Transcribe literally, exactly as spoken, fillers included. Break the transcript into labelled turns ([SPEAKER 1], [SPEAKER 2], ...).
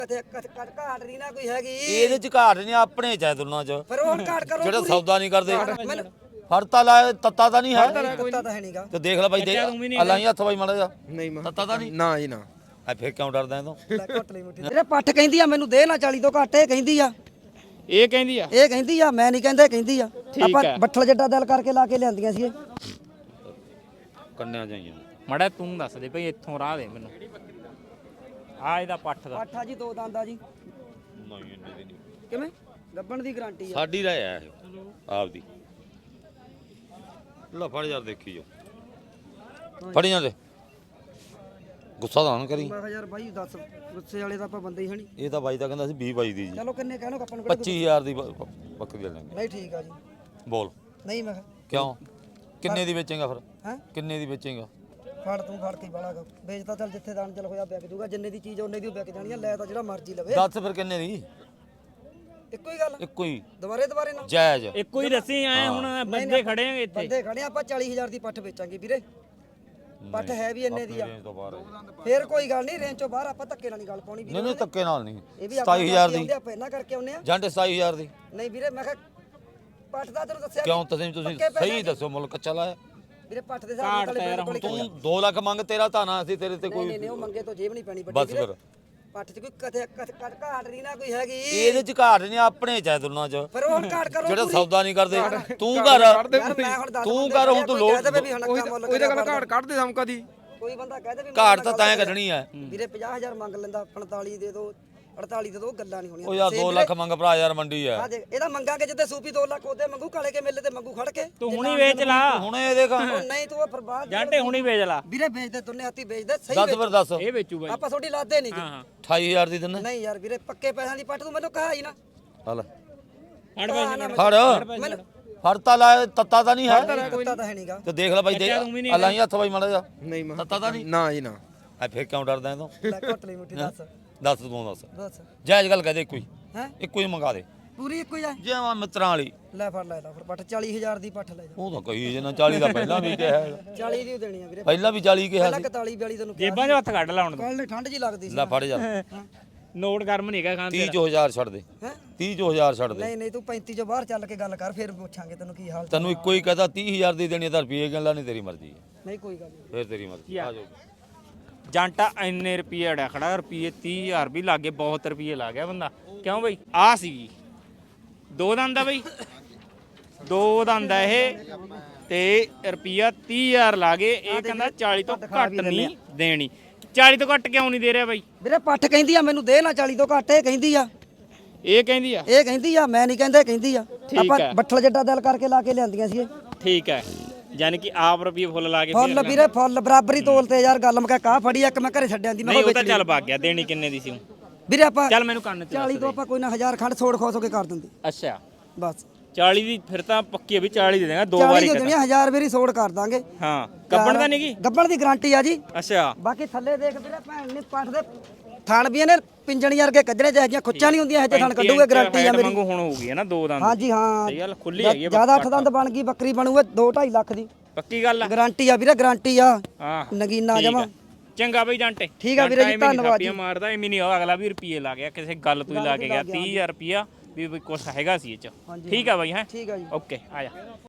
[SPEAKER 1] ਕਦੇ ਘਾਟ ਨਹੀਂ ਨਾ ਕੋਈ ਹੈਗੀ
[SPEAKER 2] ਇਹਦੇ ਚ ਘਾਟ ਨਹੀਂ ਆਪਣੇ ਚ ਹੈ ਦੋਨਾਂ ਚ
[SPEAKER 1] ਫਿਰ ਉਹ ਘਾਟ ਕਰੋ
[SPEAKER 2] ਜਿਹੜਾ ਸੌਦਾ ਨਹੀਂ ਕਰਦੇ
[SPEAKER 1] ਮੈਨੂੰ
[SPEAKER 2] ਫੜਤਾ ਲਾ ਤੱਤਾ ਤਾਂ ਨਹੀਂ ਹੈ
[SPEAKER 1] ਪਤਾ ਤਾਂ ਹੈ ਨਹੀਂਗਾ
[SPEAKER 2] ਤੇ ਦੇਖ ਲੈ ਬਾਈ ਦੇ ਅਲਾਈ ਹੱਥ ਬਾਈ ਮਾੜਾ ਜਾ
[SPEAKER 3] ਨਹੀਂ ਮੈਂ
[SPEAKER 2] ਤੱਤਾ ਤਾਂ ਨਹੀਂ
[SPEAKER 3] ਨਾ ਜੀ ਨਾ
[SPEAKER 2] ਆ ਫਿਰ ਕਿਉਂ ਡਰਦਾ ਇਹ ਤੋਂ
[SPEAKER 1] ਘੁੱਟ ਲਈ ਮੁੱਠੀ ਜਿਹੜੇ ਪੱਠ ਕਹਿੰਦੀ ਆ ਮੈਨੂੰ ਦੇ ਨਾ ਚਾਲੀ ਤੋਂ ਘੱਟ ਇਹ ਕਹਿੰਦੀ ਆ
[SPEAKER 4] ਇਹ ਕਹਿੰਦੀ ਆ
[SPEAKER 1] ਇਹ ਕਹਿੰਦੀ ਆ ਮੈਂ ਨਹੀਂ ਕਹਿੰਦਾ ਇਹ ਕਹਿੰਦੀ ਆ ਆਪਾਂ ਬੱਠਲ ਜੱਡਾ ਦਿਲ ਕਰਕੇ ਲਾ ਕੇ ਲਿਆਂਦੀਆਂ ਸੀ ਇਹ
[SPEAKER 2] ਕੰਨਿਆ ਜਾਈਏ
[SPEAKER 4] ਮੜਾ ਤੂੰ ਦੱਸ ਦੇ ਭਈ ਇੱਥੋਂ ਰਾਹ ਦੇ ਮੈਨੂੰ ਆ ਇਹਦਾ ਪੱਠ ਦਾ
[SPEAKER 1] ਪੱਠਾ ਜੀ ਦੋ ਦੰਦ ਆ ਜੀ
[SPEAKER 2] ਨਹੀਂ ਇੰਨੇ ਦੀ ਨਹੀਂ
[SPEAKER 1] ਕਿਵੇਂ ਗੱਬਣ ਦੀ ਗਾਰੰਟੀ ਆ
[SPEAKER 2] ਸਾਡੀ ਰਹਿ ਆ ਇਹ ਆਪਦੀ ਲੈ ਫੜ ਯਾਰ ਦੇਖੀ ਜੋ ਫੜੀ ਜਾਂਦੇ ਗੁੱਸਾ ਤਾਂ ਨਾ ਕਰੀ
[SPEAKER 1] ਮੈਂ ਕਿਹਾ ਯਾਰ ਬਾਈ ਦੱਸ ਗੁੱਸੇ ਵਾਲੇ ਤਾਂ ਆਪਾਂ ਬੰਦੇ ਹੀ ਹਣੀ
[SPEAKER 2] ਇਹ ਤਾਂ ਬਾਈ ਤਾਂ ਕਹਿੰਦਾ ਸੀ ਵੀਹ ਬਾਈ ਦੀ ਜੀ
[SPEAKER 1] ਚਲੋ ਕਿੰਨੇ ਕਹਿਣੋ ਆਪਾਂ ਨੂੰ
[SPEAKER 2] ਪੱਚੀ ਹਜ਼ਾਰ ਦੀ ਬ- ਬੱਕਰੀ ਲੈ ਲਾਂਗੇ
[SPEAKER 1] ਨਹੀਂ ਠੀਕ ਆ ਜੀ
[SPEAKER 2] ਬੋਲ
[SPEAKER 1] ਨਹੀਂ ਮੈਂ ਕਿਹਾ
[SPEAKER 2] ਕਿਉਂ ਕਿੰਨੇ ਦੀ ਵੇਚੇਗਾ ਫਿਰ
[SPEAKER 1] ਹੈਂ
[SPEAKER 2] ਕਿੰਨੇ ਦੀ ਵੇਚੇਗਾ
[SPEAKER 1] ਫੜ ਤੂੰ ਫੜ ਕੇ ਵਾਲਾ ਵੇਚਦਾ ਚੱਲ ਜਿੱਥੇ ਦਾਨ ਚੱਲ ਹੋਇਆ ਵਿਕ ਜੂਗਾ ਜਿੰਨੇ ਦੀ ਚੀਜ਼ ਉਹਨੇ ਦੀ ਉਹ ਵਿਕ ਜਾਣੀ ਆ ਲੈ ਤਾਂ ਜਿਹੜਾ ਮਰਜ਼ੀ ਲਵੇ
[SPEAKER 2] ਦੱਸ ਫਿਰ ਕਿੰਨੇ ਦੀ
[SPEAKER 1] ਇੱਕੋ ਹੀ ਗੱਲ
[SPEAKER 2] ਇੱਕੋ ਹੀ
[SPEAKER 1] ਦੁਬਾਰੇ ਦੁਬਾਰੇ ਨਾ
[SPEAKER 2] ਜਾਇਜ਼
[SPEAKER 4] ਇੱਕੋ ਹੀ ਦੱਸੀ ਆਏ ਹੁਣ ਬੰਦੇ ਖੜੇ ਆਂਗੇ ਇੱਥੇ
[SPEAKER 1] ਬੰਦੇ ਖੜੇ ਆ, ਆਪਾਂ ਚਾਲੀ ਹਜ਼ਾਰ ਦੀ ਪੱਠ ਵੇਚਾਂਗੇ ਵੀਰੇ ਪੱਠ ਹੈ ਵੀ ਇੰਨੇ ਦੀ ਆ
[SPEAKER 2] ਰੇਂਜ ਤੋਂ ਬਾਹਰ ਹੈ।
[SPEAKER 1] ਫੇਰ ਕੋਈ ਗੱਲ ਨਹੀਂ ਰੇਂਜ ਚੋਂ ਬਾਹਰ ਆਪਾਂ ਧੱਕੇ ਨਾਲ ਨਹੀਂ ਗੱਲ ਪਾਉਣੀ ਵੀਰੇ
[SPEAKER 2] ਨਹੀਂ ਨਹੀਂ ਧੱਕੇ ਨਾਲ ਨਹੀਂ
[SPEAKER 1] ਇਹ ਵੀ ਆਪਾਂ
[SPEAKER 2] ਸਤਾਈ ਹਜ਼ਾਰ ਦੀ
[SPEAKER 1] ਆਉਂਦੇ ਆਪਾਂ ਇਹਨਾਂ ਕਰਕੇ ਆਉਨੇ ਆ
[SPEAKER 2] ਜੰਟ ਸਤਾਈ ਹਜ਼ਾਰ ਦੀ
[SPEAKER 1] ਨਹੀਂ ਵੀਰੇ ਮੈਂ ਕਿਹਾ ਪੱਠ ਦਾ ਤੈਨੂੰ ਦੱਸਿਆ
[SPEAKER 2] ਕਿਉਂ ਤੁਸੀਂ ਤੁਸੀਂ ਸਹੀ ਦੱਸੋ ਮੁੱਲ ਕੱਚਾ ਲਾਇਆ
[SPEAKER 1] ਵੀਰੇ ਪੱਠ ਦੇ ਹਿਸਾਬ ਨਾਲ ਬਿਲਕੁਲ ਹੀ
[SPEAKER 2] ਤੂੰ ਦੋ ਲੱਖ ਮੰਗ ਤੇਰਾ ਧਾਨਾ ਅਸੀਂ ਤੇਰੇ ਤੇ
[SPEAKER 1] ਨਹੀਂ
[SPEAKER 2] ਕੋਈ
[SPEAKER 1] ਨਹੀਂ ਨਹੀਂ ਉਹ ਮੰਗੇ ਤੋਂ ਜੇਬ ਨਹੀਂ ਪੈਣੀ
[SPEAKER 2] ਬਸ
[SPEAKER 1] ਵੱਡੀ ਵੀਰੇ
[SPEAKER 2] ਫਿਰ
[SPEAKER 1] ਪੱਠ 'ਚ ਕੋਈ ਕਦੇ ਘਾਟ ਨਹੀਂ ਨਾ ਕੋਈ ਹੈਗੀ
[SPEAKER 2] ਇਹਦੇ ਚ ਘਾਟ ਨਹੀਂ ਆਪਣੇ ਚ ਹੈ ਦੋਨਾਂ ਚ
[SPEAKER 1] ਫਿਰ ਉਹ ਘਾਟ ਕਰੋ
[SPEAKER 2] ਜਿਹੜਾ ਸੌਦਾ ਨਹੀਂ ਕਰਦੇ ਤੂੰ ਕਰ
[SPEAKER 1] ਯਾਰ ਮੈਂ ਹੁਣ ਦੱਸ
[SPEAKER 2] ਤੂੰ ਕਰ ਹੁਣ ਤੂੰ ਲੋੜ
[SPEAKER 1] ਵੀ ਹੁਣ ਅੱਖਾਂ ਮੁੱਲ
[SPEAKER 3] ਉਹਦੇ ਗੱਲ ਘਾਟ ਕੱਢਦੇ ਸਮ ਕਦੀ
[SPEAKER 1] ਕੋਈ ਬੰਦਾ ਕਹਦੇ ਵੀ
[SPEAKER 2] ਘਾਟ ਤਾਂ ਤੈਂ ਕੱਢਣੀ ਹੈ
[SPEAKER 1] ਵੀਰੇ ਪੰਜਾਹ ਹਜ਼ਾਰ ਮੰਗ ਲੈਂਦਾ ਪੰਤਾਲੀ ਦੇ ਦੋ ਅੜਤਾਲੀ ਦੇ ਦੋ ਗੱਲਾਂ ਨਹੀਂ ਹੋਣੀਆਂ
[SPEAKER 2] ਉਹ ਯਾਰ ਦੋ ਲੱਖ ਮੰਗ ਭਰਾ ਯਾਰ ਮੰਡੀ ਹੈ
[SPEAKER 1] ਆ ਦੇਖ ਇਹਦਾ ਮੰਗਾਂਗੇ ਜਿੱਦੇ ਸੂਪੀ ਦੋ ਲੱਖ ਉਹਦੇ ਮੰਗੂ ਕਾਲੇ ਕੇ ਮੇਲੇ ਤੇ ਮੰਗੂ ਖੜ ਕੇ
[SPEAKER 4] ਤੂੰ ਹੁਣੀ ਵੇਚ ਲਾ
[SPEAKER 2] ਹੁਣ ਇਹ ਦੇਖ
[SPEAKER 1] ਉਹ ਨਹੀਂ ਤੂੰ ਉਹ ਫਿਰ ਬਾਅਦ
[SPEAKER 4] ਜਾਂਟੇ ਹੁਣੀ ਵੇਚ ਲਾ
[SPEAKER 1] ਵੀਰੇ ਵੇਚਦੇ ਤੁੰਨੇ ਹੱਥੀ ਵੇਚਦੇ ਸਹੀ
[SPEAKER 2] ਦੱਸ ਫਿਰ ਦੱਸ
[SPEAKER 4] ਇਹ ਵੇਚੂ ਬਾਈ
[SPEAKER 1] ਆਪਾਂ ਤੁਹਾਡੀ ਲਾਦੇ ਨਹੀਂ
[SPEAKER 4] ਹਾਂ ਹਾਂ
[SPEAKER 2] ਅਠਾਈ ਹਜ਼ਾਰ ਦੀ ਦਿੰਨੇ
[SPEAKER 1] ਨਹੀਂ ਯਾਰ ਵੀਰੇ ਪੱਕੇ ਪੈਸਿਆਂ ਦੀ ਪੱਟ ਤੂੰ ਮੈਨੂੰ ਕਹਾ ਹੀ ਨਾ
[SPEAKER 2] ਆ ਲੈ
[SPEAKER 4] ਹੜ ਪੈਸੇ
[SPEAKER 2] ਫੜ
[SPEAKER 1] ਮੈਨੂੰ
[SPEAKER 2] ਫੜਤਾ ਲਾ ਤੱਤਾ ਤਾਂ ਨਹੀਂ ਹੈ
[SPEAKER 1] ਪਤਾ ਤਾਂ ਹੈ ਨਹੀਂਗਾ
[SPEAKER 2] ਤੇ ਦੇਖ ਲੈ ਬਾਈ ਦੇ ਅਲਾਈ ਹੱਥ ਬਾਈ ਮਾੜਾ ਜਾ
[SPEAKER 3] ਨਹੀਂ ਮੈਂ
[SPEAKER 2] ਤੱਤਾ ਤਾਂ ਨਹੀਂ
[SPEAKER 3] ਨਾ ਜੀ ਨਾ
[SPEAKER 2] ਆ ਫਿਰ ਕਿਉਂ ਡਰਦਾ ਇਹ ਤੋਂ
[SPEAKER 1] ਲੈ ਘੁੱਟ ਲਈ ਮੁੱਠੀ ਦੱਸ
[SPEAKER 2] ਦੱਸ ਤੂੰ ਦੱਸ
[SPEAKER 1] ਦੱਸ
[SPEAKER 2] ਜਾਇਜ਼ ਗੱਲ ਕਹਦੇ ਇੱਕੋ ਹੀ
[SPEAKER 1] ਹੈ
[SPEAKER 2] ਇੱਕੋ ਹੀ ਮੰਗਾ ਦੇ
[SPEAKER 1] ਪੂਰੀ ਇੱਕੋ ਹੀ ਆ
[SPEAKER 2] ਜਿਵੇਂ ਮਿੱਤਰਾਂ ਵਾਲੀ
[SPEAKER 1] ਲੈ ਫੜ ਲੈ ਲੈ ਫਿਰ ਪੱਟ ਚਾਲੀ ਹਜ਼ਾਰ ਦੀ ਪੱਠ ਲੈ ਜਾ
[SPEAKER 2] ਉਹ ਤਾਂ ਕਹੀ ਜੇ ਨਾ ਚਾਲੀ ਦਾ ਪਹਿਲਾਂ ਵੀ ਕਿਹਾ ਹੈ।
[SPEAKER 1] ਚਾਲੀ ਦੀ ਓ ਦੇਣੀ ਆ ਵੀਰੇ
[SPEAKER 2] ਪਹਿਲਾਂ ਵੀ ਚਾਲੀ ਕਿਹਾ
[SPEAKER 1] ਪਹਿਲਾਂ
[SPEAKER 2] ਸੀ
[SPEAKER 1] ਇਕਤਾਲੀ ਬਿਆਲੀ ਤੈਨੂੰ ਕਿਹਾ
[SPEAKER 4] ਜੇਬਾਂ 'ਚ ਹੱਥ ਕੱਢ ਲਾ ਹੁਣ
[SPEAKER 1] ਕੱਲ ਨੇ ਠੰਡ ਜੀ ਲੱਗਦੀ ਸੀ
[SPEAKER 2] ਲੈ ਫੜ ਜਾ
[SPEAKER 4] ਨੋਟ ਗਰਮ ਨਹੀਂ ਹੈਗਾ ਖਾਨ
[SPEAKER 2] ਤੀਹ ਚੋ ਹਜ਼ਾਰ ਛੱਡ ਦੇ
[SPEAKER 1] ਹੈ
[SPEAKER 2] ਤੀਹ ਚੋ ਹਜ਼ਾਰ ਛੱਡ ਦੇ
[SPEAKER 1] ਨਹੀਂ ਨਹੀਂ ਤੂੰ ਪੈਂਤੀ ਚੋਂ ਬਾਹਰ ਚੱਲ ਕੇ ਗੱਲ ਕਰ ਫਿਰ ਪੁੱਛਾਂਗੇ ਤੈਨੂੰ ਕੀ ਹਾਲ ਚਾਲ
[SPEAKER 2] ਤੈਨੂੰ ਇੱਕੋ ਹੀ ਕਹਦਾ ਤੀਹ ਹਜ਼ਾਰ ਦੀ ਦੇਣੀ ਤਾਂ ਰੁਪਏ ਗੱਲਾਂ ਨਹੀਂ ਤੇਰੀ ਮਰਜ਼ੀ ਹੈ
[SPEAKER 1] ਨਹੀਂ ਕੋਈ ਗੱਲ ਨਹੀਂ
[SPEAKER 2] ਫਿਰ ਤੇਰੀ ਮਰਜ਼ੀ ਆ ਜਾਓ
[SPEAKER 4] ਜਾਂਟਾ ਇੰਨੇ ਰੁਪਏ ਅੜਿਆ ਖੜਾ ਰੁਪਏ ਤੀਹ ਹਜ਼ਾਰ ਵੀ ਲੱਗੇ ਬਹੁਤ ਰੁਪਏ ਲਾ ਗਿਆ ਬੰਦਾ ਕਿਉਂ ਬਈ ਆ ਸੀ ਦੋ ਦੰਦ ਆ ਬਈ ਦੋ ਦੰਦ ਆ ਇਹ ਤੇ ਰੁਪਿਆ ਤੀਹ ਹਜ਼ਾਰ ਲਾ ਗਏ ਇਹ ਕਹਿੰਦਾ ਚਾਲੀ ਤੋਂ ਘੱਟ ਨਹੀਂ ਦੇਣੀ ਚਾਲੀ ਤੋਂ ਘੱਟ ਕਿਉਂ ਨਹੀਂ ਦੇ ਰਿਹਾ ਬਾਈ
[SPEAKER 1] ਵੀਰੇ ਪੱਠ ਕਹਿੰਦੀ ਆ ਮੈਨੂੰ ਦੇ ਨਾ ਚਾਲੀ ਤੋਂ ਘੱਟ ਇਹ ਕਹਿੰਦੀ ਆ
[SPEAKER 4] ਇਹ ਕਹਿੰਦੀ ਆ
[SPEAKER 1] ਇਹ ਕਹਿੰਦੀ ਆ ਮੈਂ ਨਹੀਂ ਕਹਿੰਦਾ ਇਹ ਕਹਿੰਦੀ ਆ ਆਪਾਂ
[SPEAKER 4] ਹੈ।
[SPEAKER 1] ਬੱਠਲ ਜੱਡਾ ਦਿਲ ਕਰਕੇ ਲਾ ਕੇ ਲਿਆਂਦੀਆਂ ਸੀ ਇਹ
[SPEAKER 4] ਠੀਕ ਹੈ ਯਾਨੀ ਕਿ ਆਪ ਰੁਪਏ ਫੁੱਲ ਲਾ ਕੇ
[SPEAKER 1] ਫੁੱਲ ਵੀਰੇ ਫੁੱਲ ਬਰਾਬਰੀ ਤੋਲ ਤੇ ਯਾਰ ਗੱਲ ਮੈਂ ਕਾ ਫੜੀ ਇੱਕ ਮੈਂ ਘਰੇ ਛੱਡਿਆਂ ਦੀ ਮੈਂ
[SPEAKER 4] ਨਹੀਂ ਉਹ ਤਾਂ ਚੱਲ ਭੱਗ ਗਿਆ ਦੇਣੀ ਕਿੰਨੇ ਦੀ ਸੀ
[SPEAKER 1] ਵੀਰੇ ਆਪਾਂ
[SPEAKER 4] ਚੱਲ ਮੈਨੂੰ ਕੰਨ ਤੇ
[SPEAKER 1] ਚਾਲੀ ਤੋਂ ਆਪਾਂ ਕੋਈ ਨਾ ਹਜ਼ਾਰ ਖੰਡ ਛੋੜ ਖੋਸ ਹੋ ਕੇ ਕਰ ਦਿੰਦੇ
[SPEAKER 4] ਅੱਛਾ
[SPEAKER 1] ਬਸ
[SPEAKER 4] ਚਾਲੀ ਦੀ ਫਿਰ ਤਾਂ ਪੱਕੀ ਵੀ ਚਾਲੀ ਦੇ ਦੇਗਾ ਦੋ
[SPEAKER 1] ਚਾਲੀ
[SPEAKER 4] ਵਾਰੀ
[SPEAKER 1] ਦੀ ਦੇਣੀ ਹਜ਼ਾਰ ਵਾਰੀ ਛੋੜ ਕਰ ਦਾਂਗੇ
[SPEAKER 4] ਹਾਂ ਕੱਪਣ ਦਾ ਨਹੀਂ ਕੀ
[SPEAKER 1] ਗੱਬਣ ਦੀ ਗਾਰੰਟੀ ਆ ਜੀ
[SPEAKER 4] ਅੱਛਾ
[SPEAKER 1] ਬਾਕੀ ਥੱਲੇ ਦੇਖ ਵੀਰੇ ਭੈਣ ਨੇ ਪੱਠ ਦੇ ਥਣ ਵੀ ਇਹਨੇ ਪਿੰਜਣੀ ਵਰਗੇ ਕੱਢਣੇ ਚਾਹੀਦੀਆਂ ਖੁੱਚਾਂ ਨਹੀਂ ਹੁੰਦੀਆਂ ਇਹ ਥਣ ਕੱਢੂਗੇ ਗਾਰੰਟੀ ਆ ਮੇਰੀ
[SPEAKER 4] ਵਾਂਗੂ ਹੁਣ ਹੋਊਗੀ ਹੈ ਨਾ ਦੋ ਦੰਦ
[SPEAKER 1] ਹਾਂਜੀ ਹਾਂ
[SPEAKER 4] ਸਹੀ ਗੱਲ ਖੁੱਲੀ ਹੈਗੀ ਆ
[SPEAKER 1] ਜਿਆਦਾ ਅੱਠ ਦੰਦ ਬਣ ਗਈ ਬੱਕਰੀ ਬਣੂਗਾ ਦੋ ਢਾਈ ਲੱਖ ਦੀ
[SPEAKER 4] ਪੱਕੀ ਗੱਲ ਆ
[SPEAKER 1] ਗਾਰੰਟੀ ਆ ਵੀਰੇ ਗਾਰੰਟੀ ਆ
[SPEAKER 4] ਹਾਂ
[SPEAKER 1] ਨਗੀਨਾ
[SPEAKER 4] ਠੀਕ
[SPEAKER 1] ਜਮਾ
[SPEAKER 4] ਆ। ਚੰਗਾ ਬਈ ਜਾਂਟੇ
[SPEAKER 1] ਠੀਕ ਆ ਵੀਰੇ ਜੀ, ਧੰਨਵਾਦ ਜੀ।
[SPEAKER 4] ਮਾਰਦਾ ਐਵੇਂ ਨਹੀਂ ਅਗਲਾ ਵੀ ਰੁਪਏ ਲਾ ਗਿਆ ਕਿਸੇ ਗੱਲ ਤੋਂ ਹੀ ਲਾ ਕੇ ਗਿਆ ਤੀਹ ਹਜ਼ਾਰ ਰੁਪਿਆ ਵੀ ਕੁਛ ਹੈਗਾ ਸੀ ਇਹ ਚ ਠੀਕ ਆ ਬਾਈ ਹੈ
[SPEAKER 1] ਠੀਕ ਆ ਜੀ
[SPEAKER 4] ਓਕੇ ਆ ਜਾ